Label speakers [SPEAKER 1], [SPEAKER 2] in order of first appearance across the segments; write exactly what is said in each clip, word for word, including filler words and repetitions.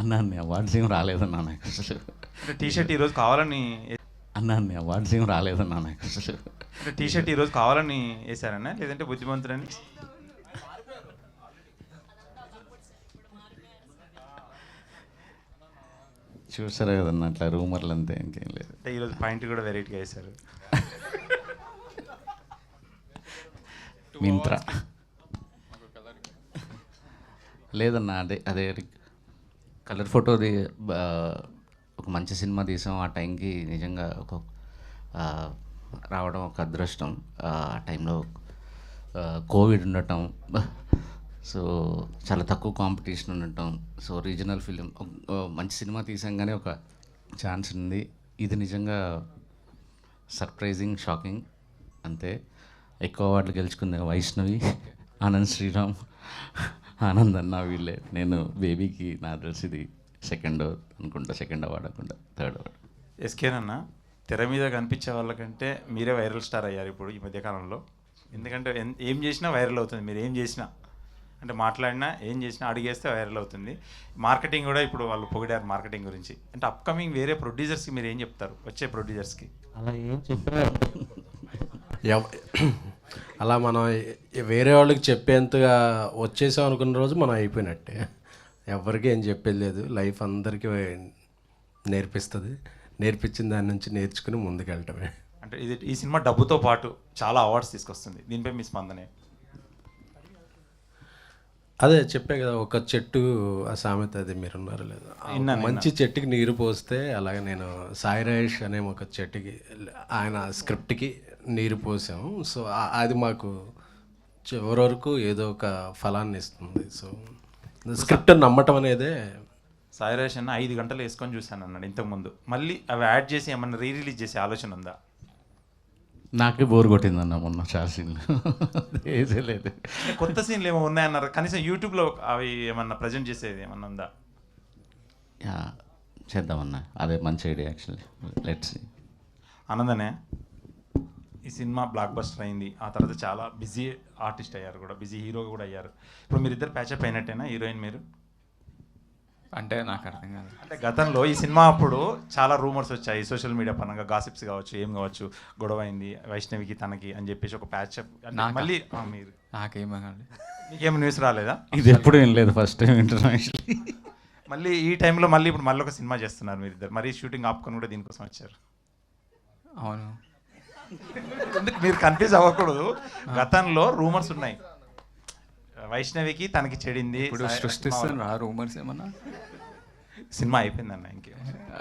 [SPEAKER 1] అన్న అన్ని అవార్డ్స్ ఏం రాలేదన్నా నాకు అసలు.
[SPEAKER 2] అంటే టీ షర్ట్ ఈరోజు కావాలని
[SPEAKER 1] అన్న అన్ని అవార్డ్స్ ఏం రాలేదన్నా నాకు అసలు.
[SPEAKER 2] అంటే టీ షర్ట్ ఈరోజు కావాలని వేశారన్నా లేదంటే బుద్ధిమంతుడని?
[SPEAKER 1] చూసారా కదన్నా అట్లా రూమర్లు అంతే, ఇంకేం లేదు.
[SPEAKER 2] అంటే ఈరోజు పాయింట్ కూడా వెరైటీగా వేశారు.
[SPEAKER 1] మింత్రా లేదన్నా, అదే అదే కలర్ ఫోటోది ఒక మంచి సినిమా తీసాం ఆ టైంకి. నిజంగా ఒక ఆ, రావడం ఒక అదృష్టం. ఆ టైంలో కోవిడ్ ఉండటం, సో చాలా తక్కువ కాంపిటీషన్ ఉండటం, సో రీజనల్ ఫిలిం మంచి సినిమా తీసాం కానీ ఒక ఛాన్స్ ఉంది. ఇది నిజంగా సర్ప్రైజింగ్, షాకింగ్ అంతే. ఎక్కువ అవార్డులు గెలుచుకుంది వైష్ణవి, ఆనంద్ శ్రీరామ్, ఆనంద్ అన్న వీళ్ళే. నేను బేబీకి నా తెలిసి ఇది సెకండ్ అనుకుంటా, సెకండ్ అవార్డు అనుకుంటా, థర్డ్ అవార్డు.
[SPEAKER 2] ఎస్కేనన్నా, తెర మీద కనిపించే వాళ్ళకంటే మీరే వైరల్ స్టార్ అయ్యారు ఇప్పుడు ఈ మధ్యకాలంలో. ఎందుకంటే ఎన్- ఏం చేసినా వైరల్ అవుతుంది. మీరు ఏం చేసినా, అంటే మాట్లాడినా ఏం చేసినా అడిగేస్తే వైరల్ అవుతుంది. మార్కెటింగ్ కూడా ఇప్పుడు వాళ్ళు పొగిడారు మార్కెటింగ్ గురించి. అంటే అప్కమింగ్ వేరే ప్రొడ్యూసర్స్కి మీరు ఏం చెప్తారు, వచ్చే ప్రొడ్యూసర్స్కి?
[SPEAKER 3] అలా ఏం చెప్పారు ఎవ- అలా మనం ఎ- వేరే వాళ్ళకి చెప్పేంతగా వచ్చేసాం అనుకున్న రోజు మనం అయిపోయినట్టే. ఎవరికి ఏం చెప్పేది లేదు. లైఫ్ అందరికీ నేర్పిస్తుంది. నేర్పించిన దాని నుంచి నేర్చుకుని ముందుకెళ్ళటమే.
[SPEAKER 2] అంటే ఇది ఈ సినిమా డబ్బుతో పాటు చాలా అవార్డ్స్ తీసుకొస్తుంది. దీనిపై మీ స్పందనే?
[SPEAKER 3] అదే చెప్పే కదా, ఒక చెట్టు ఆ సామెత, అది మీరున్నారు లేదా, ఆ
[SPEAKER 2] విన్నాను,
[SPEAKER 3] మంచి చెట్టుకి నీరు పోస్తే అలాగే నేను సాయి రాజేష్ అనే ఒక చెట్టుకి, ఆయన స్క్రిప్ట్కి నీరు పోసాము. సో ఆ- అది మాకు చివరి వరకు ఏదో ఒక ఫలాన్ని ఇస్తుంది. సో స్క్రిప్ట్ నమ్మటం అనేదే.
[SPEAKER 2] సాయిరాజ్ అన్న ఐదు గంటలు వేసుకొని చూశాను అన్నాడు ఇంతకుముందు. మళ్ళీ అవి యాడ్ చేసి ఏమన్నా రీ రిలీజ్ చేసే ఆలోచన ఉందా?
[SPEAKER 1] నాకే బోర్ కొట్టిందన్న మొన్న చాలా సీన్లు వేసే లేదు.
[SPEAKER 2] అంటే కొత్త సీన్లు ఏమో ఉన్నాయన్నారు. కనీసం యూట్యూబ్లో అవి ఏమన్నా ప్రజెంట్ చేసేది ఏమన్నా ఉందా?
[SPEAKER 1] యా, చేద్దామన్నా, అదే మంచి ఐడియా యాక్చువల్లీ. Let's see.
[SPEAKER 2] ఆనందనే, ఈ సినిమా బ్లాక్ బస్టర్ అయింది. ఆ తర్వాత చాలా బిజీ ఆర్టిస్ట్ అయ్యారు కూడా, బిజీ హీరో కూడా అయ్యారు. ఇప్పుడు మీరిద్దరు ప్యాచప్ అయినట్టేనా, హీరోయిన్ మీరు?
[SPEAKER 4] అంటే నాకు అర్థం కాదు.
[SPEAKER 2] అంటే గతంలో ఈ సినిమా అప్పుడు చాలా రూమర్స్ వచ్చాయి సోషల్ మీడియా పరంగా, గాసిప్స్ కావచ్చు, ఏం కావచ్చు, గొడవ అయింది వైష్ణవికి తనకి అని చెప్పేసి ఒక ప్యాచప్.
[SPEAKER 4] నాకా?
[SPEAKER 2] మళ్ళీ ఆ, మీరు
[SPEAKER 4] నాకేమో కాదు.
[SPEAKER 2] మీకేం న్యూస్ రాలేదా?
[SPEAKER 1] ఇది ఎప్పుడు ఏం లేదు, ఫస్ట్ టైం వింటున్నాం యాక్చువల్లీ.
[SPEAKER 2] మళ్ళీ ఈ టైంలో మళ్ళీ ఇప్పుడు మళ్ళీ ఒక సినిమా చేస్తున్నారు మీరు ఇద్దరు. మరీ షూటింగ్ ఆపుకొని కూడా దీనికోసం వచ్చారు.
[SPEAKER 4] అవును.
[SPEAKER 2] ఎందుకు మీరు కన్ఫ్యూజ్ అవ్వకూడదు. గతంలో రూమర్స్ ఉన్నాయి, వైష్ణవికి తనకి చెడింది.
[SPEAKER 4] ఇప్పుడు సృష్టిస్తున్నా రూమర్స్ ఏమన్నా?
[SPEAKER 2] సినిమా అయిపోయిందన్న, ఇంకే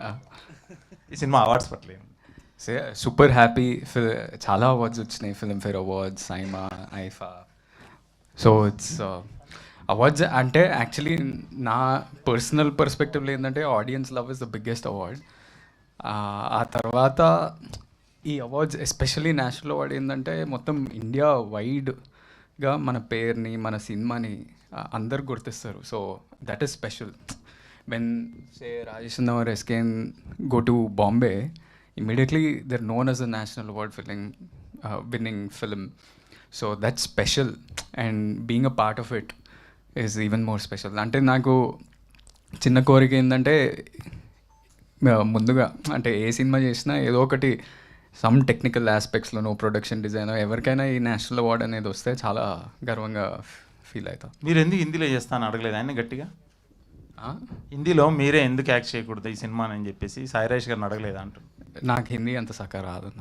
[SPEAKER 2] ఈ సినిమా అవార్డ్స్ పట్లేదు.
[SPEAKER 4] Say super happy. చాలా అవార్డ్స్ వచ్చినాయి, Filmfare awards, SIIMA, IIFA. So it's awards అంటే యాక్చువల్లీ నా పర్సనల్ పర్స్పెక్టివ్లో ఏంటంటే audience love is the biggest award. ఆ తర్వాత ఈ అవార్డ్స్ ఎస్పెషల్లీ నేషనల్ అవార్డ్ ఏంటంటే మొత్తం ఇండియా వైడ్గా మన పేరుని, మన సినిమాని అందరు గుర్తిస్తారు. So that is special. When say Rajesh or SKN go to Bombay, immediately they're known as a national award winning uh, winning film. So that's special, and being a part of it is even more special. అంటే నాకు చిన్న కోరిక ఏంటంటే ముందుగా అంటే ఏ cinema చేసినా ఏదో ఒకటి సమ్ టెక్నికల్ ఆస్పెక్ట్స్లోనో, ప్రొడక్షన్ డిజైన్, ఎవరికైనా ఈ నేషనల్ అవార్డ్ అనేది వస్తే చాలా గర్వంగా ఫీల్ అవుతా.
[SPEAKER 2] మీరు ఎందుకు హిందీలో చేస్తాను అడగలేదు ఆయన గట్టిగా? హిందీలో మీరే ఎందుకు యాక్ట్ చేయకూడదు ఈ సినిమా అని చెప్పేసి సాయిరాజ్ గారిని అడగలేదా అంటున్నారు.
[SPEAKER 4] నాకు హిందీ అంత సక్క రాదన్నా.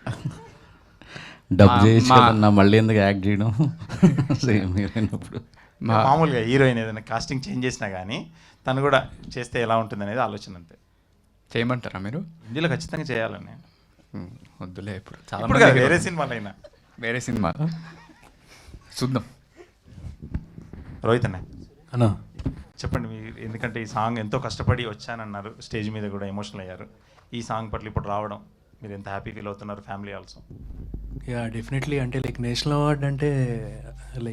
[SPEAKER 1] డబ్ చేయొచ్చు కదన్నా, మళ్ళీ ఎందుకు యాక్ట్ చేయడం? సేమ్ హీరోయినప్పుడు
[SPEAKER 2] మామూలుగా హీరోయిన్ ఏదైనా కాస్టింగ్ చేంజ్ చేసినా కానీ తను కూడా చేస్తే ఎలా ఉంటుంది అనేది ఆలోచన అంతే.
[SPEAKER 4] చేయమంటారా మీరు?
[SPEAKER 2] హిందీలో ఖచ్చితంగా చేయాలని.
[SPEAKER 4] ఉమ్, వద్దులే ఇప్పుడు చాలా
[SPEAKER 2] ఇప్పుడు
[SPEAKER 4] మంది
[SPEAKER 2] కాదు, వేరే
[SPEAKER 4] hero-
[SPEAKER 2] సినిమాలైనా.
[SPEAKER 4] వేరే సినిమా చూద్దాం.
[SPEAKER 2] రోహిత్ అన్న
[SPEAKER 3] అన్నా,
[SPEAKER 2] చెప్పండి మీరు, ఎందుకంటే ఈ సాంగ్ ఎంతో కష్టపడి వచ్చానన్నారు, స్టేజ్ మీద కూడా ఎమోషనల్ అయ్యారు. ఈ సాంగ్ పట్ల ఇప్పుడు రావడం మీరు ఎంత హ్యాపీ ఫీల్ అవుతున్నారు, ఫ్యామిలీ ఆల్సో?
[SPEAKER 5] Yeah definitely. అంటే లైక్ నేషనల్ అవార్డ్ అంటే లైక్